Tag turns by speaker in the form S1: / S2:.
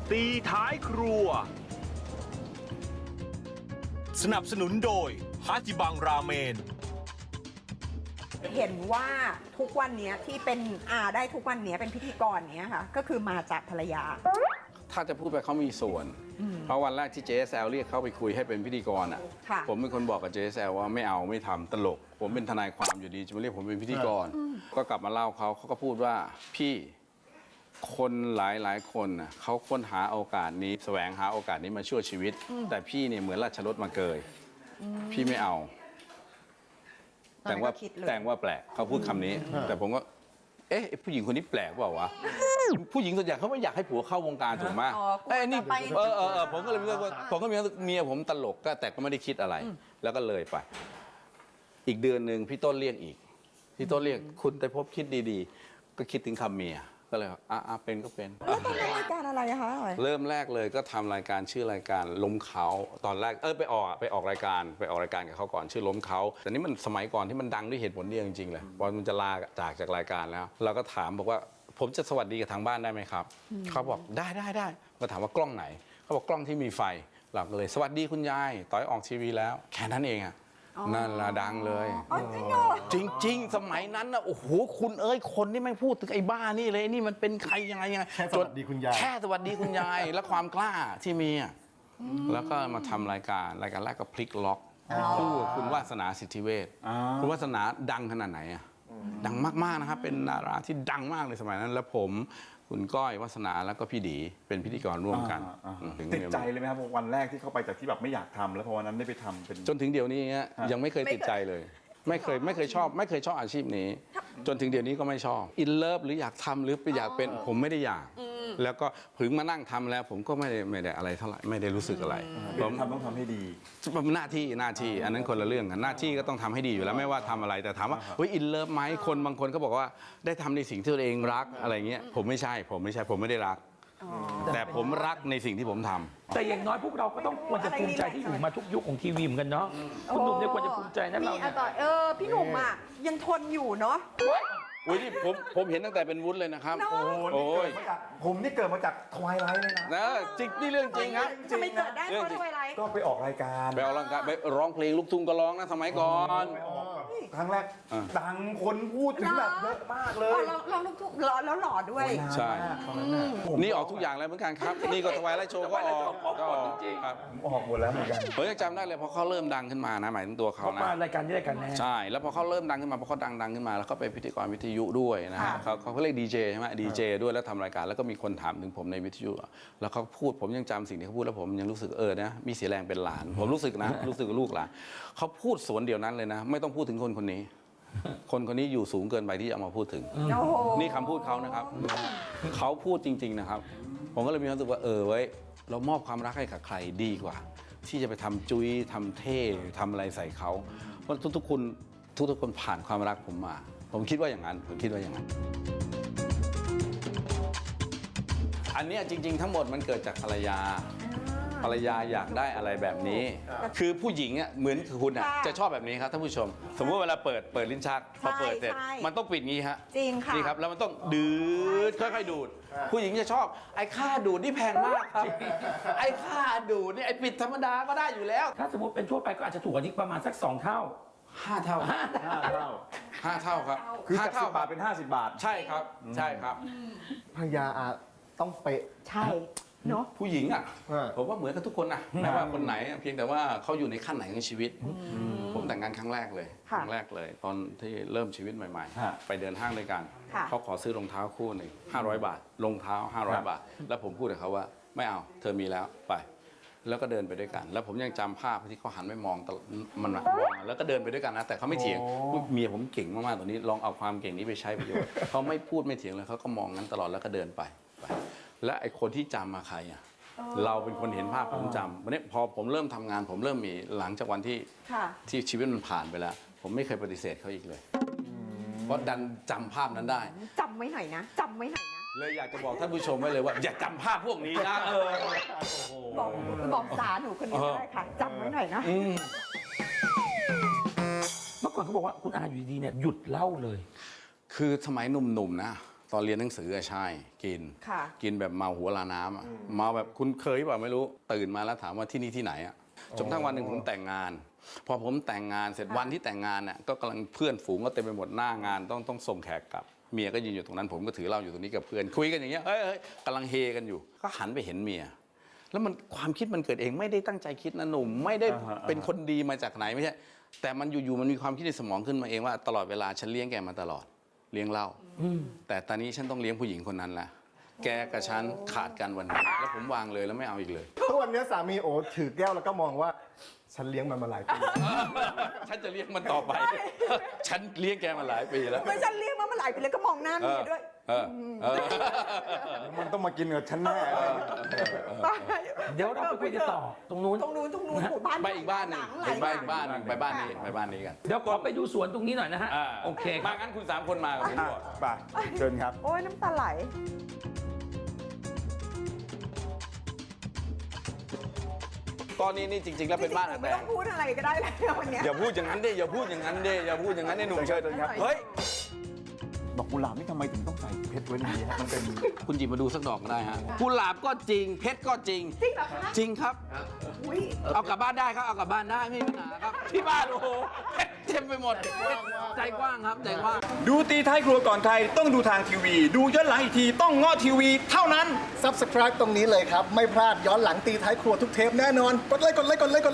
S1: ตีท้ายครัวสนับสนุนโดยฮาจิบังราเมน
S2: เห็นว่าทุกวันนี้ที่เป็นได้ทุกวันนี้เป็นพิธีกรเนี้ยค่ะก็คือมาจากภรรยา
S3: ถ้าจะพูดไปเขามีส่วน เพราะวันแรกที่ JSL เรียกเขาไปคุยให้เป็นพิธีกรอ่ะ ผมเป็นคนบอกกับ JSL ว่าไม่เอาไม่ทำตลก ผมเป็นทนายความอยู่ดีจะมาเรียกผมเป็นพิธีกร ก็กลับมาเล่าเขาก็พูดว่าพี่คนหลายคนน่ะเขาค้นหาโอกาสนี้แสวงหาโอกาสนี้มาช่วยชีวิต แต่พี่เนี่ยเหมือนราชรถมาเกยพี่ไม่เอา แต่ว่าแปลกเขาพูดคำนี้ แต่ผมก็เอ๊ะผู้หญิงคนนี้แปลกเปล่าวะผู้หญิงส่วนใหญ่เขาไม่อยากให้ผัวเข้าวงการถูกไหมนี่ผมก็เลยผมก็มีเมียผมตลกแต่ก็ไม่ได้คิดอะไร แล้วก็เลยไปอีกเดือนหนึ่งพี่ต้นเรียกอีกพี่ต้นเรียกคุณแต่พบคิดดีๆก็คิดถึงคำเมียก็เลยเป็นก็เป็น
S2: แล้วตอนรายการอะไรคะ
S3: เริ่มแรกเลยก็ทำรายการชื่อรายการล้มเขาตอนแรกไปออกรายการกับเขาก่อนชื่อล้มเขาแต่นี่มันสมัยก่อนที่มันดังด้วยเหตุผลเดียวจริงๆเลยพอมันจะลาจากรายการแล้วเราก็ถามบอกว่าผมจะสวัสดีกับทางบ้านได้ไหมครับเขาบอกได้ก็ถามว่ากล้องไหนเขาบอกกล้องที่มีไฟเราก็เลยสวัสดีคุณยายต่อยออกทีวีแล้วแค่นั้นเองอะนั่นละดังเลยจริงๆสมัยนั้นนะโอ้โหคุณคนที่ไม่พูดถึงไอ้บ้านี่เลยนี่มันเป็นใครยังไง
S4: แค่สวัสดีคุณยาย
S3: แค่สวัสดีคุณยายและความกล้าที่มีแล้วก็มาทำรายการแรกก็พลิกล็อกคู่คุณวาสนาสิทธิเวชคุณวาสนาดังขนาดไหนอะดังมากๆนะครับเป็นดาราที่ดังมากในสมัยนั้นแล้วผมคุณก้อยวาสนาแล้วก็พี่ดีเป็นพิธีกรร่วมกัน
S4: ติดใจเลยไหมครับวันแรกที่เข้าไปจากที่แบบไม่อยากทำแล้วพอวันนั้นได้ไปทำเป็น
S3: จนถึงเดี๋ยวนี้ยังไม่เคยติดใจเลยไม่เคยชอบอาชีพนี้จนถึงเดี๋ยวนี้ก็ไม่ชอบอินเลิฟหรืออยากทำหรือไปอยากเป็นผมไม่ได้อยากแล้วก็ถึงมานั่งทำแล้วผมก็ไม่ได้อะไรเท่าไหร่ไม่ได้รู้สึกอะไร
S4: ผมต้องทำให้ดี
S3: หน้าที่อันนั้นคนละเรื่องกันหน้าที่ก็ต้องทำให้ดีอยู่แล้วไม่ว่าทำอะไรแต่ถามว่าอินเลิฟไหมคนบางคนก็บอกว่าได้ทำในสิ่งที่ตัวเองรักอะไรเงี้ยผมไม่ใช่ผมไม่ได้รักแต่ผมรักในสิ่งที่ผมทำ
S5: แต่อย่างน้อยพวกเราก็ต้องควรจะภูมิใจที่อยู่มาทุกยุคของทีวีเหมือนกันเนาะคุณหนุ่มเนี่ยควรจะภูมิใจนะเรา
S2: พี่หนุ่มยังทนอยู่เนาะ
S3: อุ้ยนี่ผมเห็นตั้งแต่เป็นวุ้นเลยนะครับ
S4: โอ้ยผมนี่เกิดมาจากทวายไลท์เลยนะ
S3: จริงนี่เรื่องจริงครับ
S2: จะไม่เกิดได้เพราะทวายไลท์
S4: ก็ไปออกรายการ
S3: ไปร้องเพลงลูกทุ่งก็ร้องนะสมัยก่อน
S4: ครั้งแรกดังคนพูดถึงแบบเยอะมากเลย
S2: ร้องลูกทุ่งแล้วหล่อด้วย
S3: ใช่นี่ออกทุกอย่างเลยเหมือนกันครับนี่ก็ทวายไลท์โชว์ก็ออก
S5: จริง
S3: ครับ
S4: ออกหมดแล้วเหมือนกัน
S3: ผมยังจำได้เลยพอเขาเริ่มดังขึ้นมานะหมายถึงตัวเขานะ
S5: รายการนี้รายการแน่
S3: ใช่แล้วพอเขาเริ่มดังขึ้นมาพอเขาดังขึ้นมาแล้วก็ไปพิธีกรวิทยุด้วยนะฮะเขาเรียกดีเจใช่ไหมดีเจด้วยแล้วทำรายการแล้วก็มีคนถามถึงผมในวิทยุแล้วเขาพูดผมยังจำสิ่งที่เขาพูดแล้วผมยังรู้สึกนะมีเสียแรงเป็นหลานผมรู้สึกนะรู้สึกลูกหลานเขาพูดสวนเดียวนั้นเลยนะไม่ต้องพูดถึงคนนี้คนนี้อยู่สูงเกินไปที่จะเอามาพูดถึงนี่คำพูดเขานะครับเขาพูดจริงๆนะครับผมก็เลยมีความรู้สึกว่าไว้เรามอบความรักให้กับใครดีกว่าที่จะไปทำจุ้ยทำเท่ทำอะไรใส่เขาเพราะทุกคนผ่านความรักผมมาผมคิดว่าอย่างนั้นอันนี้จริงๆทั้งหมดมันเกิดจากภรรยาอยากได้อะไรแบบนี้คือผู้หญิงเหมือนคุณจะชอบแบบนี้ครับท่านผู้ชมสมมติเวลาเปิดลิ้นชักพอเปิดเสร็จมันต้องปิดงี้ฮะ
S2: จริงค่ะ
S3: นี่ครับแล้วมันต้องดืดค่อยๆดูดผู้หญิงจะชอบไอ้ค่าดูดนี่แพงมากครับไอ้ค่าดูดนี่ไอ้ปิดธรรมดาก็ได้อยู่แล้ว
S5: ถ้าสมมติเป็นทั่วไปก็อาจจะถูกกว่านี้ประมาณสัก2 เท่า
S3: 5 เท่าครับ
S4: คือจาก10 บาทเป็น50 บาท
S3: ใช่ครับ
S4: ภรรยาต้องเป๊ะ
S2: ใช่เนาะ
S3: ผู้หญิงผมว่าเหมือนกับทุกคนนะไม่ว่าคนไหนเพียงแต่ว่าเขาอยู่ในขั้นไหนของชีวิตผมแต่งงานครั้งแรกเลยตอนที่เริ่มชีวิตใหม่ๆไปเดินห้างด้วยกันเขาขอซื้อรองเท้าคู่หนึ่ง500 บาทรองเท้า500 บาทแล้วผมพูดกับเขาว่าไม่เอาเธอมีแล้วไปแล้วก็เดินไปด้วยกันแล้วผมยังจำภาพที่เขาหันไปมองมันมองแล้วก็เดินไปด้วยกันนะแต่เขาไม่เถียงเมียผมเก่งมากๆตัวนี้ลองเอาความเก่งนี้ไปใช้ประโยชน์เขาไม่พูดไม่เถียงเลยเขาก็มองงั้นตลอดแล้วก็เดินไปและไอ้คนที่จำมาใครเราเป็นคนเห็นภาพผมจำวันนี้พอผมเริ่มทำงานผมเริ่มมีหลังจากวันที่ชีวิตมันผ่านไปแล้วผมไม่เคยปฏิเสธเขาอีกเลยเพราะดันจำภาพนั้นได้
S2: จำไว้หน่อยนะ
S3: เลยอยากจะบอกท่านผู้ชมไว้เลยว่าอย่าจำภาพพวกนี้นะ
S2: บอกสาหนูคนนี้ได้ค่ะจำไว้หน่อยนะ
S5: เมื่อก่อนเขาบอกว่าคุณอาอยู่ดีเนี่ยหยุดเล่าเลย
S3: คือสมัยหนุ่มๆนะตอนเรียนหนังสือใช่กิน
S2: ค่ะ
S3: กินแบบเมาหัวลาน้ำอะเมาแบบคุณเคยเปล่าไม่รู้ตื่นมาแล้วถามว่าที่นี่ที่ไหนอะจนทั้งวันหนึ่งผมแต่งงาน พอผมแต่งงานเสร็จวันที่แต่งงานน่ะก็กำลังเพื่อนฝูงก็เต็มไปหมดหน้างานต้องส่งแขกกลับเมียก็ยืนอยู่ตรงนั้นผมก็ถือเหล้าอยู่ตรงนี้กับเพื่อนคุยกันอย่างเงี้ยเฮ้ยกำลังเฮกันอยู่ก็หันไปเห็นเมียแล้วมันความคิดมันเกิดเองไม่ได้ตั้งใจคิดนะหนุ่มไม่ได้เป็นคนดีมาจากไหนไม่ใช่แต่มันอยู่ๆมันมีความคิดในสมองขึ้นมาเองว่าตลอดเวลาฉันเลี้ยงแกมาตลอดเลี้ยงเหล้าแต่ตอนนี้ฉันต้องเลี้ยงผู้หญิงคนนั้นละแกกับฉันขาดกันวันนี้แล้วผมวางเลยแล้วไม่เอาอีกเลย
S6: ทุกวันนี้สามีโอถือแก้วแล้วก็มองว่าฉันเลี้ยงมันมาหลายปี
S3: ฉันจะเลี้ยงมันต่อไป ฉันเลี้ยงแกมาหลายปีแล้ว
S2: ไม่ฉันเรียกมาเมื่อไหร่ไปเลยก็มองหน้าเมียด้วย
S6: มันต้องมากินกับฉันแน่
S5: เดี๋ยวเราไปคุยกันต่อตรงนู้น
S2: ตรงนู้นหมู่บ้าน
S3: ไปอีกบ้านหนึง
S2: ห
S3: ไป
S2: ลั
S3: บ้านอีกบ้านหนึงไปบ้านนี้ไปบ้านนี้กัน
S5: เดี๋ยวขอไปดูสวนตรงนี้หน่อยนะฮะโอเคค
S3: มา
S5: รับ
S3: งั้นคุณ3 คนมากับผมก่อน
S6: ไปเชิญครับ
S2: โอ้ยน้ำตาไหล
S3: ตอนนี้นี่จริงๆแล้วเป็นบ้าน
S2: จ
S3: อา
S2: ริงๆ
S3: แต
S2: ไม่ต้อง งพูดอะไรก็ได้แล้ววันเนี้ย
S3: อย่าพูดอย่างนั้นดิอย่าพูดอย่างนั้นดิอย่าพูดอย่างนั้นดิหนุ่ม
S6: เชิญครับ
S3: เฮ้ย
S4: ดอกกุหลาบนี่ทำไมถึงต้องใส่เพชรไว้ในนี้ฮะมันเป็น
S3: คุณหยิบมาดูสักดอกก็ได้ฮะกุหลาบก็จริงเพชรก็จริง
S2: จริงเหรอคะ
S3: จริงครับ
S2: อุ้ย
S3: เอากลับบ้านได้ครับเอากลับบ้านได้ไม่มีปัญหาครับที่บ้านโอ้โหเพชรเต็มไปหมดใจกว้างครับใจกว้าง
S4: ดูตีท้ายครัวก่อนใครต้องดูทางทีวี ดูย้อนหลังอีกทีต้องง้อทีวีเท่านั้น
S6: Subscribe ตรงนี้เลยครับ ไม่พลาดย้อนหลังตีท้ายครัวทุกเทปแน่นอน กดไลค์